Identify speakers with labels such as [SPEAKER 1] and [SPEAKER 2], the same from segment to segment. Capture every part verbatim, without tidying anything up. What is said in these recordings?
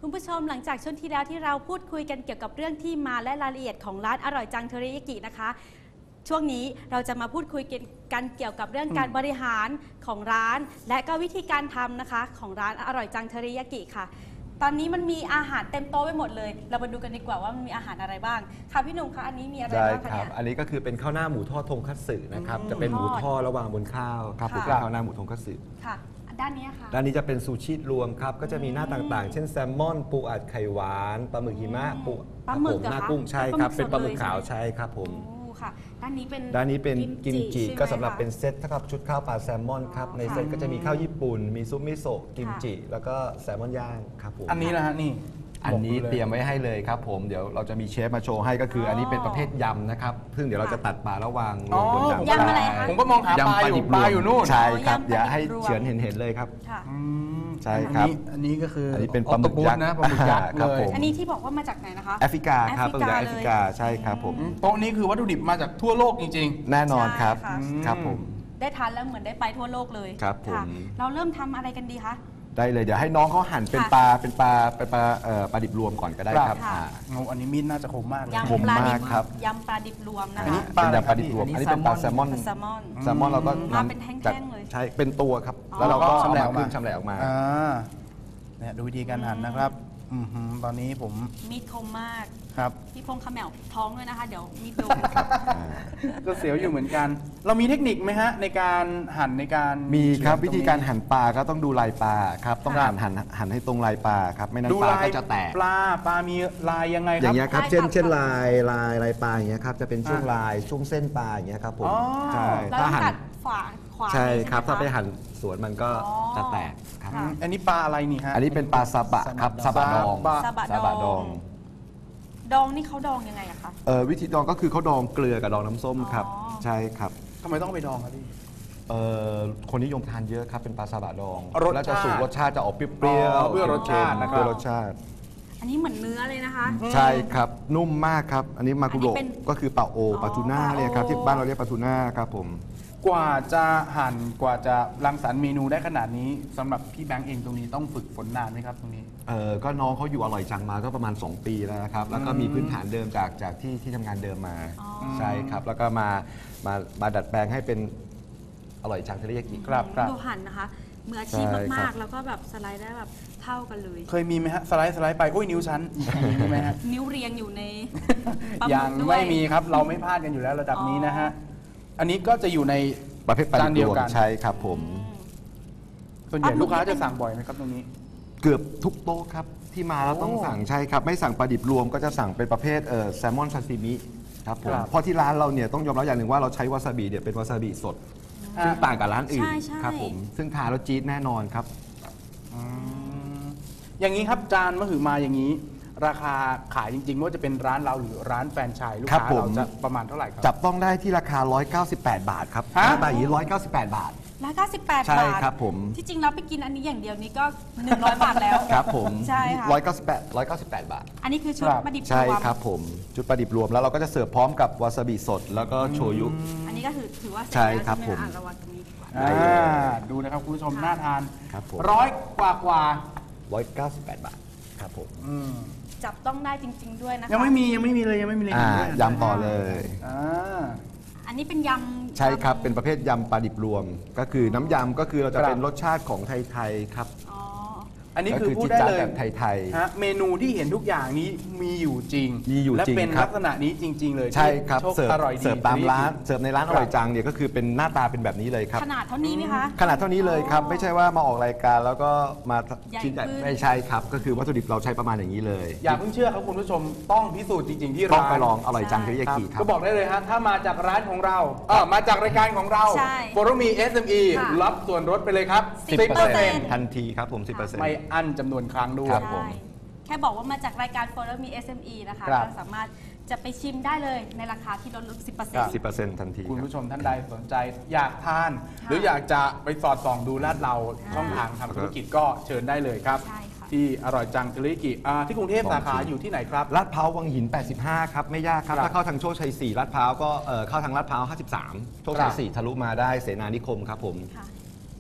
[SPEAKER 1] คุณผู้ชมหลังจากช่วงที่แล้วที่เราพูดคุยกันเกี่ยวกับเรื่องที่มาและรายละเอียดของร้านอร่อยจังเทริยากินะคะช่วงนี้เราจะมาพูดคุยกันเกี่ยวกับเรื่องการบริหารของร้านและก็วิธีการทำนะคะของร้านอร่อยจังเทริยากิค่ะตอนนี้มันมีอาหารเต็มโต๊ะไปหมดเลยเรามาดูกันดีกว่าว่ามันมีอาหารอะไรบ้างค่ะพี่หนุ่มคะอันนี้มีอะไรบ้างคะเนี่ย
[SPEAKER 2] อันนี้ก็คือเป็นข้าวหน้าหมูทอดทงคัตสึนะครับจะเป็นหมูทอดระหว่างบนข้าวครับผมข้าวหน้าหมูทงคัตสึ
[SPEAKER 1] ค่ะด้านนี้ค่ะ
[SPEAKER 2] ด้านนี้จะเป็นซูชิรวมครับก็จะมีหน้าต่างๆเช่นแซลมอนปูอัดไข่หวานปลาหมึกหิมะปู
[SPEAKER 1] ปลาหมึก
[SPEAKER 2] หน้ากุ้งใช่ครับเป็นปลาหมึกขาวใช่ครับผม
[SPEAKER 1] ค่ะด้านนี้เป็น
[SPEAKER 2] ด้านนี้เป็นกิมจิก็สำหรับเป็นเซตเท่ากับชุดข้าวปลาแซลมอนครับในเซตก็จะมีข้าวญี่ปุ่นมีซุปมิโซะกิมจิแล้วก็แซลมอนย่างครับผม
[SPEAKER 3] อันนี้นะฮะนี่
[SPEAKER 2] อันนี้เตรียมไว้ให้เลยครับผมเดี๋ยวเราจะมีเชฟมาโชว์ให้ก็คืออันนี้เป็นประเภทยำนะครับซึ่งเดี๋ยวเราจะตัดปลาระวางลงบนยำ
[SPEAKER 1] ยำอะไรคะ
[SPEAKER 3] ผมก็มองหาปลาอยู่ปลาอยู่นู่น
[SPEAKER 2] ใช่ครับเดี๋ยวให้เฉือนเห็นๆเลยครับใช่ครับ
[SPEAKER 3] อันนี้ก็คือ
[SPEAKER 2] อันนี้เป็นปลาหมึกยักษ์
[SPEAKER 3] นะปลาหมึกยักษ์เลย
[SPEAKER 1] อันนี้ที่บอกว่ามาจากไหนนะคะ
[SPEAKER 2] แอฟริกาครับปลาหมึกยักษ์แอฟริกาใช่ครับผม
[SPEAKER 3] โต๊ะนี้คือวัตถุดิบมาจากทั่วโลกจริง
[SPEAKER 2] ๆแน่นอนครับครับผม
[SPEAKER 1] ได้ทานแล้วเหมือนได้ไปทั่วโลกเลย
[SPEAKER 2] ครับผม
[SPEAKER 1] เราเริ่มทำอะไรกันดีคะ
[SPEAKER 2] ได้เลยเดี๋ยวให้น้องเขาหั่นเป็นปลาเป็นปลาเป็นปลาเอ่อปลาดิบรวมก่อนก็ได้ครับ
[SPEAKER 3] โอ้อันนี้มีดน่าจะคมมากเลย
[SPEAKER 2] คมมากครับ
[SPEAKER 1] ยำปลาดิบรวมนะคะ
[SPEAKER 2] อันนี้เป็นยำปลาดิบรวมอันนี้เป็นปลาแซลมอน
[SPEAKER 1] แซลมอน
[SPEAKER 2] แซลมอนเราก็
[SPEAKER 1] นำเป็นแท่งๆเลย
[SPEAKER 2] ใช่เป็นตัวครับแล้วเราก็ชำแหละออกมาชำแหละออกมา
[SPEAKER 3] เนี่ยดูวิธีการหั่นนะครับตอนนี้ผม
[SPEAKER 1] มีดคมมาก
[SPEAKER 3] ครับ
[SPEAKER 1] พี่พงษ์ขมแมวท้องด้วยนะคะเดี๋ยวมีดโดน
[SPEAKER 3] ก็เสียวอยู่เหมือนกันเรามีเทคนิคไหมฮะในการหั่นในการ
[SPEAKER 2] มีครับวิธีการหั่นปลาก็ต้องดูลายปลาครับต้องหั่นหั่นหั่นให้ตรงลายปลาครับไม่นั้นปลาก็จะแตก
[SPEAKER 3] ปลาปลามีลายยังไงครับ
[SPEAKER 2] อย่างเงี้ยครับเช่นเช่นลายลายลายปลาอย่างเงี้ยครับจะเป็นช่วงลายช่วงเส้นปลาอย่างเงี้ยครับผม
[SPEAKER 1] ใช่ถ้าหั่นฝาขวา
[SPEAKER 2] ใช่ครับถ้าไปหั่นสวนมันก็จะแตกครับ
[SPEAKER 3] อันนี้ปลาอะไรนี่ฮะ
[SPEAKER 2] อันนี้เป็นปลาซาบะครับซาบะดอง
[SPEAKER 1] ซาบะดองดองนี่เขาดองยังไงอะคะ
[SPEAKER 2] เออวิธีดองก็คือเขาดองเกลือกับดองน้ำส้มครับใช่ครับ
[SPEAKER 3] ทำไมต้องไปดองครับพี่
[SPEAKER 2] เออคนนิยมทานเยอะครับเป็นปลาซาบะดองแล้วจะสูตรรสชาติจะออกเปรี้ยวเปรี้
[SPEAKER 3] ยวรสชาตินะครับ
[SPEAKER 2] รสชาติ
[SPEAKER 1] อันนี้เหมือนเนื้อเลยนะคะ
[SPEAKER 2] ใช่ครับนุ่มมากครับอันนี้มาคุโระก็คือปลาโอปลาทูน่าเนี่ยครับที่บ้านเราเรียกปลาทูน่าครับผม
[SPEAKER 3] กว่าจะหั่นกว่าจะรังสรรค์เมนูได้ขนาดนี้สำหรับพี่แบงค์เองตรงนี้ต้องฝึกฝนนานไหมครับตรงนี้
[SPEAKER 2] เออก็น้องเขาอยู่อร่อยจังมาก็ประมาณสองปีแล้วนะครับแล้วก็มีพื้นฐานเดิมจากจากที่ที่ทำงานเดิมมาใช่ครับแล้วก็มามามาดัดแปลงให้เป็นอร่อยจังเทริยากิ
[SPEAKER 3] ครับครับ
[SPEAKER 1] ดูหั่นนะคะมืออาชีพมากๆแล้วก็แบบสไลด์ได้แบบเท่ากันเลย
[SPEAKER 3] เคยมีไหมฮะสไลด์สไลด์ไปโอ้ยนิ้วชั้นมีไหมฮะ
[SPEAKER 1] นิ้วเรียงอยู่ใน
[SPEAKER 3] ยังไม่มีครับเราไม่พลาดกันอยู่แล้วระดับนี้นะฮะอันนี้ก็จะอยู่ใน
[SPEAKER 2] ประเภทปลาดิบรวมใช่ครับผม
[SPEAKER 3] ส่วนใหญ่ลูกค้าจะสั่งบ่อยไหมครับตรงนี้
[SPEAKER 2] เกือบทุกโต๊ะครับที่มาแล้วต้องสั่งใช่ครับไม่สั่งปลาดิบรวมก็จะสั่งเป็นประเภทเอ่อแซลมอนซาซิมิครับผมเพราะที่ร้านเราเนี่ยต้องยอมรับอย่างหนึ่งว่าเราใช้วาซาบิเนี่ยเป็นวาซาบิสดซึ่งต่างกับร้านอื่นครับผมซึ่งทานแล้วจี๊ดแน่นอนครับ
[SPEAKER 3] อย่างนี้ครับจานมะหือมาอย่างนี้ราคาขายจริงๆว่าจะเป็นร้านเราหรือร้านแฟรนไชส์ลูกค้าเราจะประมาณเท่าไหร่ครับ
[SPEAKER 2] จับต้องได้ที่ราคาหนึ่งร้อยเก้าสิบแปดบาทครับหน้าตาอย่างนี้หนึ่งร้อยเก้าสิบแปดบาท
[SPEAKER 1] ร้อยเก้าสิบแปดบาท
[SPEAKER 2] ใช่ครับผม
[SPEAKER 1] ที่จริงเราไปกินอันนี้อย่างเดียวนี้ก็หนึ่งร้อยบาทแล้ว
[SPEAKER 2] ครับผม
[SPEAKER 1] ใช่ค่ะ
[SPEAKER 2] หนึ่งร้อยเก้าสิบแปด หนึ่งร้อยเก้าสิบแปดบาท
[SPEAKER 1] อันนี้คือชุดปลาดิบรวม
[SPEAKER 2] ใช่ครับผมชุดปลาดิบรวมแล้วเราก็จะเสิร์ฟพร้อมกับวาซาบิสดแล้วก็โชยุ
[SPEAKER 1] อันนี้ก็ถือถือว่า
[SPEAKER 2] ใช่ครับผม
[SPEAKER 3] ดูนะครับคุณผู้ชมน่าทาน
[SPEAKER 2] ครับผม
[SPEAKER 3] ร้อยกว่ากว่า
[SPEAKER 2] หนึ่งร้อยเก้าสิบแปดบาทครับผม
[SPEAKER 1] จับต้องได้จริงๆด้วยนะคะ
[SPEAKER 3] ยังไม่มียังไม่มีเลยยังไม่มีเลย
[SPEAKER 2] ยำต่อเลย
[SPEAKER 1] อันนี้เป็นยำ
[SPEAKER 2] ใช่ครับเป็นประเภทยำปลาดิบรวมก็คือน้ำยำก็คือเราจะเป็นรสชาติของไทยๆครับ
[SPEAKER 3] อันนี้คือพูดได้เลย
[SPEAKER 2] แบบไทย
[SPEAKER 3] ๆฮะเมนูที่เห็นทุกอย่างนี้มีอยู่จริง
[SPEAKER 2] มีอยู่จริง
[SPEAKER 3] และเป็นลักษณะนี้จริงๆเลย
[SPEAKER 2] ใช่ครับเสิร์ฟ
[SPEAKER 3] อร่อยดี
[SPEAKER 2] เสิร์ฟตามร้านเสิร์ฟในร้านอร่อยจังเนี่ยก็คือเป็นหน้าตาเป็นแบบนี้เลยครับ
[SPEAKER 1] ขนาดเท่านี้ไหมคะ
[SPEAKER 2] ขนาดเท่านี้เลยครับไม่ใช่ว่ามาออกรายการแล้วก็มาชิ้นใหญ่ไม่ใช่ครับก็คือวัตถุดิบเราใช้ประมาณอย่างนี้เลย
[SPEAKER 3] อย่าเพิ่งเชื่อครับคุณผู้ชมต้องพิสูจน์จริงๆที่ร้าน
[SPEAKER 2] ต้องไปลองอร่อยจังเทริยากิครับ
[SPEAKER 3] ก็บอกได้เลยฮะถ้ามาจากร้านของเราเออมาจากรายการของเราโฟโรมี เอส เอ็ม อี รับส่วนลดไปเลยครับ
[SPEAKER 2] สิบเปอร์เซ็นต์ ทันทีครับผม สิบเปอร์เซ็นต์
[SPEAKER 3] ไม่อั้นจำนวนครั้งด้วย
[SPEAKER 1] แค่บอกว่ามาจากรายการ Follow Me เอส เอ็ม อี นะคะก็สามารถจะไปชิมได้เลยในราคาที่ลดลง สิบเปอร์เซ็นต์
[SPEAKER 2] สิบเปอร์เซ็นต์ ทันที
[SPEAKER 3] คุณผู้ชมท่านใดสนใจอยากทานหรืออยากจะไปสอดส่องดูลาดเราช่องทางทำธุรกิจก็เชิญได้เลยครับที่อร่อยจังเทริยากิที่กรุงเทพสาขาอยู่ที่ไหนครับ
[SPEAKER 2] ลาดพร้าววังหินแปดสิบห้าครับไม่ยากครับถ้าเข้าทางโชคชัยสี่ลาดพร้าวก็เข้าทางลาดพร้าวห้าสิบสามโชคชัยสี่ทะลุมาได้เสนานิคมครับผม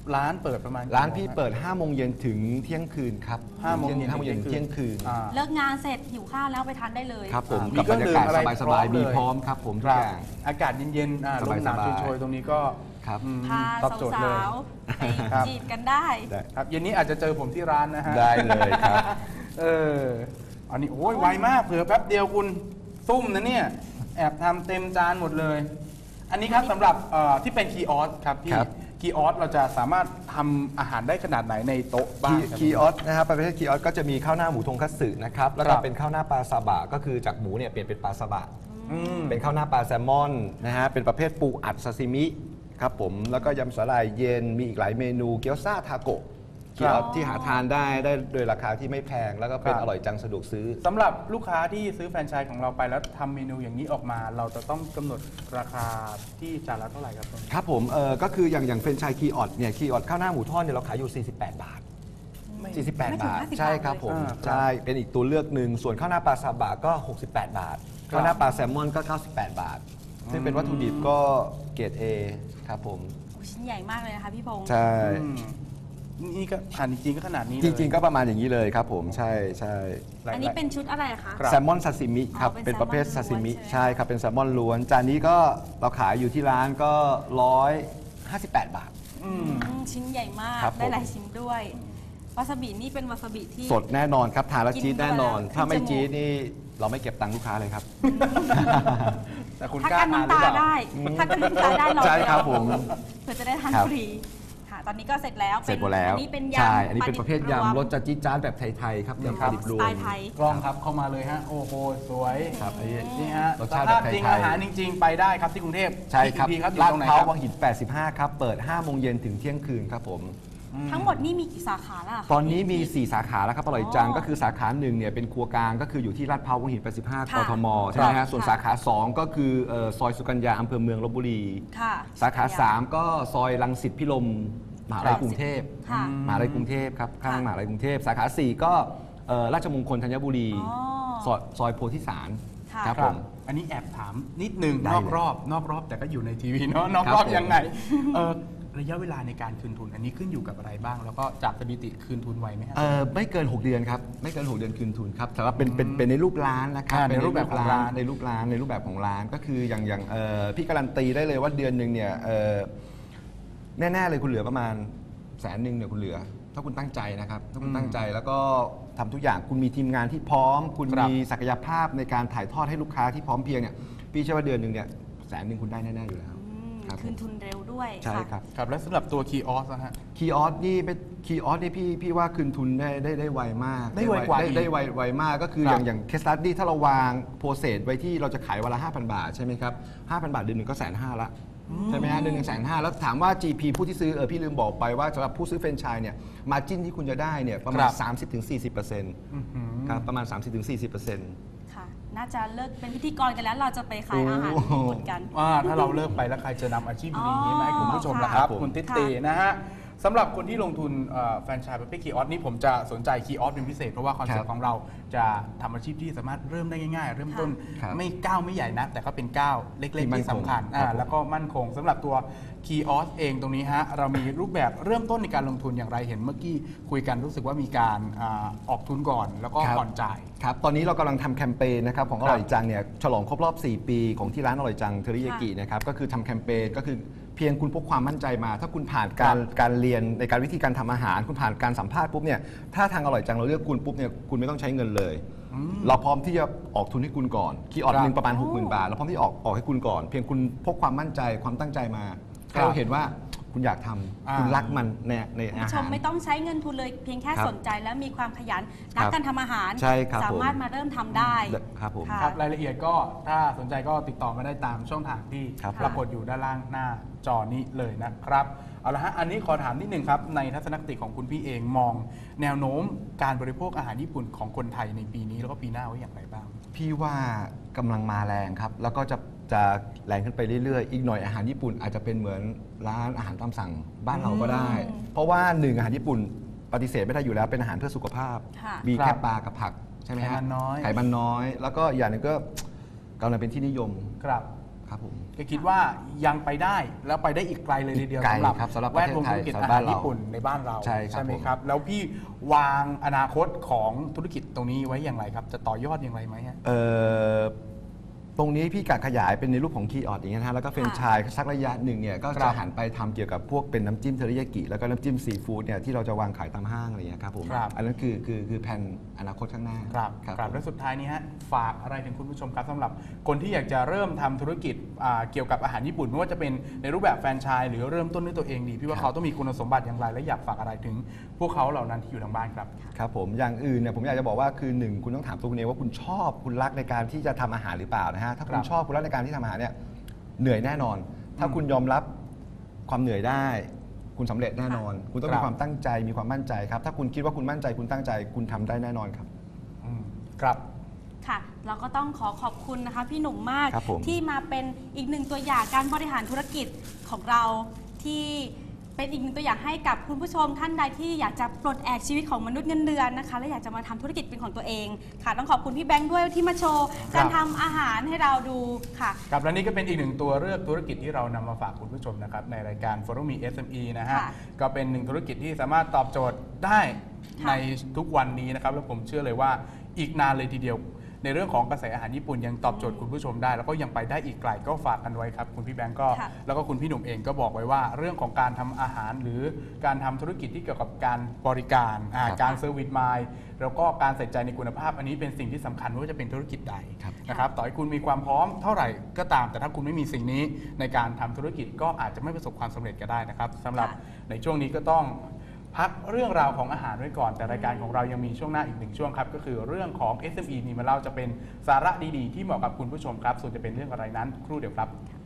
[SPEAKER 3] ร้านเปิดประมาณกี่
[SPEAKER 2] ร้านพี่
[SPEAKER 3] โมงฮะ
[SPEAKER 2] เปิด5โมงเย็นถึงเที่ยงคืนครับ
[SPEAKER 3] ห้าโมงเย็น
[SPEAKER 2] ห้าโมงเย็น
[SPEAKER 3] ถึ
[SPEAKER 2] ถึ
[SPEAKER 3] ง
[SPEAKER 2] ง
[SPEAKER 3] เที่
[SPEAKER 2] เที่
[SPEAKER 3] ย
[SPEAKER 2] ย
[SPEAKER 3] ง
[SPEAKER 2] ง
[SPEAKER 3] คื
[SPEAKER 2] คื
[SPEAKER 3] น
[SPEAKER 2] น
[SPEAKER 3] อ่า
[SPEAKER 1] เลิกงานเสร็จหิวข้าวแล้วไปทานได้เลย
[SPEAKER 2] ครับผม
[SPEAKER 3] มี
[SPEAKER 2] กับบรรยากาศ
[SPEAKER 3] เครื่องดื่มอะไร
[SPEAKER 2] สบาย
[SPEAKER 3] พร้อม
[SPEAKER 2] ๆมี
[SPEAKER 3] เลย
[SPEAKER 2] พร้อมครับผมทุ
[SPEAKER 3] ค
[SPEAKER 2] ก
[SPEAKER 3] รับ
[SPEAKER 2] อย่าง
[SPEAKER 3] อากาศเย็นๆอ่าลมหนาว
[SPEAKER 2] สบายๆ
[SPEAKER 3] โชยๆตรงนี้ก็
[SPEAKER 2] ครับ
[SPEAKER 3] อืม
[SPEAKER 1] พา
[SPEAKER 3] ตอบโจทย์เลย
[SPEAKER 1] สาวๆไป
[SPEAKER 3] ครับ
[SPEAKER 1] จีบกันได้
[SPEAKER 2] ได้
[SPEAKER 3] ครับเย็นนี้อาจจะเจอผมที่ร้านนะฮะ
[SPEAKER 2] ได้เลยครับ
[SPEAKER 3] เอออันนี้โอ้ยไวมากเผื่อแป๊บเดียวคุณซุ่มนะเนี่ยแอบทำเต็มจานหมดเลย อันนี้ครับสำหรับเอ่อที่เป็นคีย์ออสครับพี่
[SPEAKER 2] ครับ
[SPEAKER 3] คีย์ออสเราจะสามารถทำอาหารได้ขนาดไหนในโต๊ะบ้างครับ
[SPEAKER 2] คีออสนะครับประเภทคีออสก็จะมีข้าวหน้าหมูทงคัตสึนะครับแล้ว
[SPEAKER 3] ค
[SPEAKER 2] ก็
[SPEAKER 3] รับ
[SPEAKER 2] เป็นข้าวหน้าปลาซาบะก็คือจากหมูเนี่ยเปลี่ยนเป็นปลาซาบะ
[SPEAKER 3] อืม
[SPEAKER 2] เป็นข้าวหน้าปลาแซลมอนนะฮะเป็นประเภทปูอัดซาซิมิครับผมแล้วก็ยำสาหร่ายเย็นมีอีกหลายเมนูเกี๊ยวซ่าทาโกะคีออสที่หาทานได้ได้โดยราคาที่ไม่แพงแล้วก็เป็นอร่อยจังสะดวกซื้อ
[SPEAKER 3] สำหรับลูกค้าที่ซื้อแฟรนไชส์ของเราไปแล้วทำเมนูอย่างนี้ออกมา เราจะต้องกำหนดราคาที่จานละเท่าไหร่ครับตรงนี้
[SPEAKER 2] ครับผมเออก็คืออย่างอย่างเฟรนไชส์คีออสเนี่ยคีออสข้าวหน้าหมูทอดเนี่ยเราขายอยู่ สี่สิบแปด บาท สี่สิบแปด
[SPEAKER 1] ไม่ถึง
[SPEAKER 2] บาท
[SPEAKER 1] ห้าสิบ
[SPEAKER 2] ใช่ครับ
[SPEAKER 1] บาทเลย
[SPEAKER 2] ผม
[SPEAKER 3] อ่าครับ
[SPEAKER 2] ใช่เป็นอีกตัวเลือกหนึ่งส่วนข้าวหน้าปลาซาบะก็ หกสิบแปด บาท
[SPEAKER 3] ครับ
[SPEAKER 2] ข้าวหน้าปลาแซลมอนก็ เก้าสิบแปด บาท ซึ่งเป็นวัตถุดิบก็เกรด A ครับผม
[SPEAKER 1] โอ้ชิ้นใหญ่มากเลยนะคะพี่พงษ์
[SPEAKER 2] ใช่
[SPEAKER 3] อืมนี่ก็อ่านจริงๆก็ขนาดนี้เลย
[SPEAKER 2] จริงๆ ก็ประมาณอย่างนี้เลยครับผมใช่ใช่
[SPEAKER 1] อันนี้เป็นชุดอะไรคะ
[SPEAKER 3] ครับ
[SPEAKER 2] แซลมอนซาซิมิครับ
[SPEAKER 1] อ๋อเป็
[SPEAKER 2] เป็น
[SPEAKER 1] น
[SPEAKER 2] ประเภท
[SPEAKER 1] แซ
[SPEAKER 2] ซา
[SPEAKER 1] ลมอน
[SPEAKER 2] ซิมิ
[SPEAKER 1] ล้วนใช่ไหม
[SPEAKER 2] ใช่ครับเป็นแซลมอนล้วน จานนี้ก็เราขายอยู่ที่ร้านก็ร้อยห้าสิบแปดบาท
[SPEAKER 3] อืม
[SPEAKER 1] อืมชิ้นใหญ่มาก
[SPEAKER 2] ครับผม
[SPEAKER 1] ได้หลายชิ้นด้วย วาซาบินี่เป็นวาซาบิที่
[SPEAKER 2] สดแน่นอนครับทานแล้ว
[SPEAKER 1] กิน
[SPEAKER 2] จี๊ดแน่นอน
[SPEAKER 1] เข้าไปแล้ว
[SPEAKER 2] ถ้าไม่
[SPEAKER 1] ขึ้นจมูก
[SPEAKER 2] จี๊ดนี่เราไม่เก็บตังค์ลูกค้าเลยครับ
[SPEAKER 3] แต่คุณ
[SPEAKER 1] ถ้าก
[SPEAKER 3] ล้า
[SPEAKER 1] กัน
[SPEAKER 3] ทานหรือ
[SPEAKER 1] น้ำตา
[SPEAKER 3] เปล่า
[SPEAKER 1] ได้ถ้ากันน้ำตาได้ลอง
[SPEAKER 2] ใช่ครับ
[SPEAKER 1] ไปลอง
[SPEAKER 2] ผม
[SPEAKER 1] เพื่อจะได้ทาน
[SPEAKER 2] ครับ
[SPEAKER 1] ฟรีค่ะ ตอนนี้ก็เสร็จแล้ว
[SPEAKER 2] เสร็จหมดแล้ว
[SPEAKER 1] อันนี้เป็นยำ
[SPEAKER 2] ใช่อันนี้เป็นประเภท
[SPEAKER 1] ลดิบ
[SPEAKER 2] ยำรส
[SPEAKER 1] วม
[SPEAKER 2] จัดจี๊ดจ๊าดแบบไทยๆครับยำปลาดิบรว
[SPEAKER 1] สไต
[SPEAKER 2] ม
[SPEAKER 1] ล์ไทย
[SPEAKER 3] กล้องครับเข้ามาเลยฮะ โอ้โห สวย
[SPEAKER 2] ครับอันนี้
[SPEAKER 3] นี่ฮะ
[SPEAKER 2] รส
[SPEAKER 3] ส
[SPEAKER 2] ชาติ
[SPEAKER 3] ภาพ
[SPEAKER 2] แบบ
[SPEAKER 3] จริง
[SPEAKER 2] ไทยๆ
[SPEAKER 3] อาหารจริง ๆ ไปได้ครับที่กรุงเทพ
[SPEAKER 2] ใช่ครับ
[SPEAKER 3] อีกทีครับอยู่
[SPEAKER 2] ลาด
[SPEAKER 3] ตรงไหน
[SPEAKER 2] พร้า
[SPEAKER 3] คว รับ
[SPEAKER 2] วังหิน แปดสิบห้า ครับ เปิด ห้า โมงเย็นถึงเที่ยงคืนครับผม
[SPEAKER 1] ทั้งหมดนี่มีกี่สาขาแล้วะคะ
[SPEAKER 2] ตอนนี้มี สี่ สาขาแล้วครับอร่อยจัง
[SPEAKER 1] อ๋อ
[SPEAKER 2] ก็คือสาขาหนึ่งเนี่ยเป็นครัวกลางก็คืออยู่ที่ลาดพร้าววังหิน แปดสิบห้า ก
[SPEAKER 1] ค่ะ
[SPEAKER 2] ทม ใช่ไหม
[SPEAKER 1] ครั
[SPEAKER 2] ฮะ
[SPEAKER 1] บ
[SPEAKER 2] ส่วน
[SPEAKER 1] ค่ะ
[SPEAKER 2] สาขาสองก็คือเอ่อซอยสุกัญญาอำเภอเมืองลบบุรี
[SPEAKER 1] ค่ะ
[SPEAKER 2] สาขาสามก็ซอยรังสิตพิรมมหาลัยกรุงเทพ
[SPEAKER 1] ค่ะ
[SPEAKER 2] มหาลัยกรุงเทพครับข้าง
[SPEAKER 1] ค่ะ
[SPEAKER 2] มหาลัยกรุงเทพสาขาสี่ก็เอ่อราชมงคลธัญบุรี
[SPEAKER 1] อ๋อ
[SPEAKER 2] ซอยซอยโพธิสาร
[SPEAKER 1] ค่ะ
[SPEAKER 2] ครับ
[SPEAKER 3] ค
[SPEAKER 2] ผ
[SPEAKER 3] รับ
[SPEAKER 2] ม
[SPEAKER 3] อันนี้แอบถามนิดนึง
[SPEAKER 2] ได้
[SPEAKER 3] นอก
[SPEAKER 2] เลย
[SPEAKER 3] รอบนอกรอบแต่ก็อยู่ในทีวีเนาะนอก
[SPEAKER 2] ครับ
[SPEAKER 3] รอบ
[SPEAKER 2] ผม
[SPEAKER 3] ยังไงเออระยะเวลาในการคืนทุน อันนี้ขึ้นอยู่กับอะไรบ้าง แล้วก็จากสถิติคืนทุนไวไหมฮะ
[SPEAKER 2] เอ่อไม่เกิน หก เดือนครับไม่เกิน หก เดือนคืนทุนครับแต่ว่าเป็นเป็นเป็นในรูปร้านนะครับ
[SPEAKER 3] อ่า
[SPEAKER 2] เป็
[SPEAKER 3] ในรูปแบบของร้าน
[SPEAKER 2] ในรูปร้านในรูปแบบของร้านก็คืออย่างอย่างเอ่อพี่การันตีได้เลยว่าเดือนหนึ่งเนี่ยเอ่อแน่ๆเลยคุณเหลือประมาณแสนหนึ่งเนี่ยคุณเหลือ ถ้าคุณตั้งใจนะครับถ้าคุณตั้งใจแล้วก็ทำทุกอย่างคุณมีทีมงานที่พร้อม คุณ
[SPEAKER 3] ครับ
[SPEAKER 2] มีศักยภาพในการถ่ายทอดให้ลูกค้าที่พร้อมเพรียงเนี่ยพี่เชื่อว่าเดือนหนึ่งเนี่ยแสนหนึ่งคุณได้แน่ๆอยู่แล้ว
[SPEAKER 1] อืม
[SPEAKER 2] ครับ
[SPEAKER 1] คืนทุนเร็วด้วย
[SPEAKER 2] ใช่
[SPEAKER 1] ค่ะ
[SPEAKER 2] ครับ
[SPEAKER 3] ครับ และสำหรับตัวคีออสนะฮะ
[SPEAKER 2] คีย์ออสนี่เป็นคีย์ออสนี่พี่พี่ว่าคืนทุนได้ได้ได้ไวมาก
[SPEAKER 3] ได้ไวกว่า
[SPEAKER 2] ได้
[SPEAKER 3] อีก
[SPEAKER 2] ได้ไวไวมากก็คือ
[SPEAKER 3] ค
[SPEAKER 2] อ
[SPEAKER 3] รับ
[SPEAKER 2] ย่างอย่างเคสตัดดี้ถ้าเราวางโปรเซสไว้ที่เราจะขายวันละ ห้าพัน บาทใช่ไหมครับ ห้าพัน บาทเดือนหนึ่งก็แสนห้าละใช่ไหมฮะเดือนหนึ่งแสนห้าแล้วถามว่า จี พี ผู้ที่ซื้อเออพี่ลืมบอกไปว่าสำหรับผู้ซื้อแฟรนไชส์เนี่ยมาจิ้นที่คุณจะได้เนี่ยประมา
[SPEAKER 3] ค
[SPEAKER 2] ณ
[SPEAKER 3] รับ
[SPEAKER 2] สามสิบถึงสี่สิบเปอร์เซ็นต์
[SPEAKER 3] อื้อหือ
[SPEAKER 2] ครับประมาณ สามสิบถึงสี่สิบเปอร์เซ็นต์
[SPEAKER 1] ค่ะ น่าจะเลิกเป็นพิธีกรกันแล้ว เราจะไปขายอาหาร
[SPEAKER 2] โอ้โห
[SPEAKER 1] ญี่ปุ่นกัน
[SPEAKER 3] ว่าถ้าเราเลิกไปแล้วใครจะนำอาชีพดีๆนี้มาให้คุณผู้ชมล่ะ
[SPEAKER 1] อ๋อ
[SPEAKER 3] ครับ
[SPEAKER 2] ครับผม
[SPEAKER 3] คุณติตีนะฮะสำหรับคนที่ลงทุนเอ่อแฟรนไชส์ประเภทคีออสนี่ผมจะสนใจคีออสเป็นพิเศษ เพราะว่าคอนเซ็ป
[SPEAKER 2] ครั
[SPEAKER 3] ต์
[SPEAKER 2] บ
[SPEAKER 3] ของเราจะทำอาชีพที่สามารถเริ่มได้ง่ายๆ เริ่มต้น
[SPEAKER 2] ครับ
[SPEAKER 3] ไม่ก้าวไม่ใหญ่นะ แต่ก็เป็นก้าวเล็ก
[SPEAKER 2] ที่
[SPEAKER 3] ๆ
[SPEAKER 2] มั่น
[SPEAKER 3] ที่สำคัญ
[SPEAKER 2] คง
[SPEAKER 3] อ่า
[SPEAKER 2] ครับผม
[SPEAKER 3] แล้วก็มั่นคงสำหรับตัวคีออสเองตรงนี้ฮะเรามีรูปแบบเริ่มต้นในการลงทุนอย่างไรเห็นเมื่อกี้คุยกันรู้สึกว่ามีการอาออกทุนก่อน แล้วก็
[SPEAKER 2] ครับ
[SPEAKER 3] ผ่อนจ่าย
[SPEAKER 2] ครับ ตอนนี้เรากำลังทำแคมเปญนะครับของอร่อยจังเนี่ยฉลองครบรอบ สี่ ปีของที่ร้านอร่อยจังเทอริยากินะครับก็คือทำแคมเปญก็คือเพียงคุณพกความมั่นใจมา ถ้าคุณผ่านการการเรียนในการวิธีการทำอาหาร คุณผ่านการสัมภาษณ์ปุ๊บเนี่ยถ้าทางอร่อยจังเราเลือกคุณปุ๊บเนี่ยคุณไม่ต้องใช้เงินเลย เราพร้อมที่จะออกทุนให้คุณก่อนคีย์ออด
[SPEAKER 3] ครับ
[SPEAKER 2] หนึ่งประมาณ หกหมื่น บาทเราพร้อมที่ออกออกให้คุณก่อน เพียงคุณพกความมั่นใจความตั้งใจมาให้เราเห็นว่าคุณอยากทำ
[SPEAKER 3] อ่า
[SPEAKER 2] คุณรักมันในใน
[SPEAKER 1] คุณ
[SPEAKER 2] อา
[SPEAKER 1] ผู้ช
[SPEAKER 2] หาม ร
[SPEAKER 1] ไม่ต้องใช้เงินทุนเลยเพียงแค่
[SPEAKER 2] ครับ
[SPEAKER 1] สนใจและมีความขยันรักการทำอาหาร
[SPEAKER 2] ใช่ครับ
[SPEAKER 1] สามารถ
[SPEAKER 2] ผม
[SPEAKER 1] มาเริ่มทำได้
[SPEAKER 2] ครับผม
[SPEAKER 1] ค่ะ
[SPEAKER 3] ครับรายละเอียดก็ถ้าสนใจก็ติดต่อมาได้ตามช่องทางที่
[SPEAKER 2] ครับ
[SPEAKER 3] ปรากฏอยู่ด้านล่างหน้าจอนี้เลยนะครับเอาละฮะอันนี้ขอถามนิดนึงครับในทัศนคติของคุณพี่เองมอง แนวโน้มการบริโภคอาหารญี่ปุ่นของคนไทยในปีนี้แล้วก็ปีหน้าไว้อย่างไรบ้าง
[SPEAKER 2] พี่ว่ากำลังมาแรงครับ แล้วก็จะจะแรงขึ้นไปเรื่อยๆ อีกหน่อยอาหารญี่ปุ่นอาจจะเป็นเหมือนร้านอาหารตามสั่งบ้านเราก็ได้
[SPEAKER 1] อืม
[SPEAKER 2] เพราะว่าหนึ่งอาหารญี่ปุ่นปฏิเสธไม่ได้อยู่แล้วเป็นอาหารเพื่อสุขภาพ
[SPEAKER 1] ค่ะ
[SPEAKER 2] มี
[SPEAKER 3] ครั
[SPEAKER 2] แค่
[SPEAKER 3] บ
[SPEAKER 2] ปลากับผักใช่ไหมฮะ
[SPEAKER 3] ไขมันน้อย
[SPEAKER 2] ไขมันน้อย แล้วก็อย่างหนึงก็กำลังเป็นที่นิยม
[SPEAKER 3] ครับ
[SPEAKER 2] ครับผม
[SPEAKER 3] ก็คิดว่ายังไปได้แล้วไปได้อีกไกลเลยทีเดียว
[SPEAKER 2] อีกไกล
[SPEAKER 3] สำหรับ
[SPEAKER 2] ครับสำหรับ
[SPEAKER 3] แวดวงธุรกิจ
[SPEAKER 2] ประเทศไทย
[SPEAKER 3] อาหาร
[SPEAKER 2] บ้านเรา
[SPEAKER 3] ญี่ปุ่นในบ้านเรา
[SPEAKER 2] ใช่ครับ
[SPEAKER 3] ไหม
[SPEAKER 2] ผม
[SPEAKER 3] ครับแล้วพี่วางอนาคตของธุรกิจตรงนี้ไว้อย่างไรครับจะต่อยอดอย่างไรไหมฮะ
[SPEAKER 2] เอ่อตรงนี้พี่กะขยายเป็นในรูปของคีย์ออดอย่างเงี้ยนะฮะแล้วก็เฟรนไชส์สักระยะหนึ่งเนี่ยก็
[SPEAKER 3] ครั
[SPEAKER 2] จะ
[SPEAKER 3] บ
[SPEAKER 2] หันไปทำเกี่ยวกับพวกเป็นน้ำจิ้มเทอริยากิแล้วก็น้ำจิ้มซีฟู้ดเนี่ยที่เราจะวางขายตามห้างอะไรอย่างเงี้ยครับผม
[SPEAKER 3] ครับ
[SPEAKER 2] อันนั้นคือคือคือแผนอนาคตข้างหน้า
[SPEAKER 3] ครับ
[SPEAKER 2] ครับ
[SPEAKER 3] ครับ
[SPEAKER 2] ผม
[SPEAKER 3] และสุดท้ายนี้ฮะฝากอะไรถึงคุณผู้ชมครับสำหรับคนที่อยากจะเริ่มทำธุรกิจอ่าเกี่ยวกับอาหารญี่ปุ่นไม่ว่าจะเป็นในรูปแบบแฟรนไชส์หรือเริ่มต้นด้วยตัวเองดีพี่ว่าเขาต้องมีคุณสมบัติอย่างไรและอยากฝากอะไรถึงพวกเขาเหล่านั้นที่อยู่ทางบ้านครับ
[SPEAKER 2] ครับผมอย่างอื่นเนี่ยผมอยากจะบอกว่าคือหนึ่งคุณต้องถามตัวคุณเองว่าคุณชอบคุณรักในการที่จะทำอาหารหรือเปล่านะฮะถ้าคุ
[SPEAKER 3] ครั
[SPEAKER 2] ณ
[SPEAKER 3] บ
[SPEAKER 2] ชอบคุณรักในการที่ทำอาหารเนี่ยเหนื่อยแน่นอน ถ้าคุณยอมรับความเหนื่อยได้ คุณสำเร็จแน่นอน คุณต้อง
[SPEAKER 3] ครั
[SPEAKER 2] มี
[SPEAKER 3] บ
[SPEAKER 2] ความตั้งใจมีความมั่นใจครับถ้าคุณคิดว่าคุณมั่นใจคุณตั้งใจ คุณทำได้แน่นอนครับ
[SPEAKER 3] อืมครับ
[SPEAKER 1] ค่ะ เราก็ต้องขอขอบคุณนะคะพี่หนุ่มมาก
[SPEAKER 2] ครับผม
[SPEAKER 1] ที่มาเป็นอีกหนึ่งตัวอย่างการบริหารธุรกิจของเราที่เป็นอีกหนึ่งตัวอย่างให้กับคุณผู้ชมท่านใดที่อยากจะปลดแอกชีวิตของมนุษย์เงินเดือนนะคะและอยากจะมาทำธุรกิจเป็นของตัวเองค่ะต้องขอบคุณพี่แบงค์ด้วยที่มาโชว์การทำอาหารให้เราดูค่ะ
[SPEAKER 3] ครับและนี่ก็เป็นอีกหนึ่งตัวเลือกธุรกิจที่เรานำมาฝากคุณผู้ชมนะครับในรายการ Follow Me เอส เอ็ม อี นะฮะ
[SPEAKER 1] ค่ะ
[SPEAKER 3] ก็เป็นหนึ่งธุรกิจที่สามารถตอบโจทย์ได้
[SPEAKER 1] ค่ะ
[SPEAKER 3] ในทุกวันนี้นะครับแล้วผมเชื่อเลยว่าอีกนานเลยทีเดียว ในเรื่องของกระแสอาหารญี่ปุ่นยังตอบโจทย์คุณผู้ชมได้ แล้วก็ยังไปได้อีกไกลก็ฝากกันไว้ครับคุณพี่แบงก์ก็
[SPEAKER 1] ค่ะ
[SPEAKER 3] แล้วก็คุณพี่หนุ่มเองก็บอกไว้ว่าเรื่องของการทำอาหารหรือการทำธุรกิจที่เกี่ยวกับการบริการอ่า
[SPEAKER 2] ครับ
[SPEAKER 3] การเซอร์วิสมายแล้วก็การใส่ใจในคุณภาพอันนี้เป็นสิ่งที่สำคัญไม่ว่าจะเป็นธุรกิจใด
[SPEAKER 2] ครับ
[SPEAKER 3] นะครับต่อให้คุณมีความพร้อมเท่าไหร่ก็ตาม แต่ถ้าคุณไม่มีสิ่งนี้ในการทำธุรกิจก็อาจจะไม่ประสบความสำเร็จก็ได้นะครับสำหรับ
[SPEAKER 1] ค่ะ
[SPEAKER 3] ในช่วงนี้ก็ต้องพักเรื่องราวของอาหารไว้ก่อน แต่รายการของเรายังมีช่วงหน้าอีกหนึ่งช่วงครับก็คือเรื่องของ เอส เอ็ม อี มีมาเล่าจะเป็นสาระดีๆที่เหมาะกับคุณผู้ชมครับส่วนจะเป็นเรื่องอะไรนั้นครู่เดียวครับ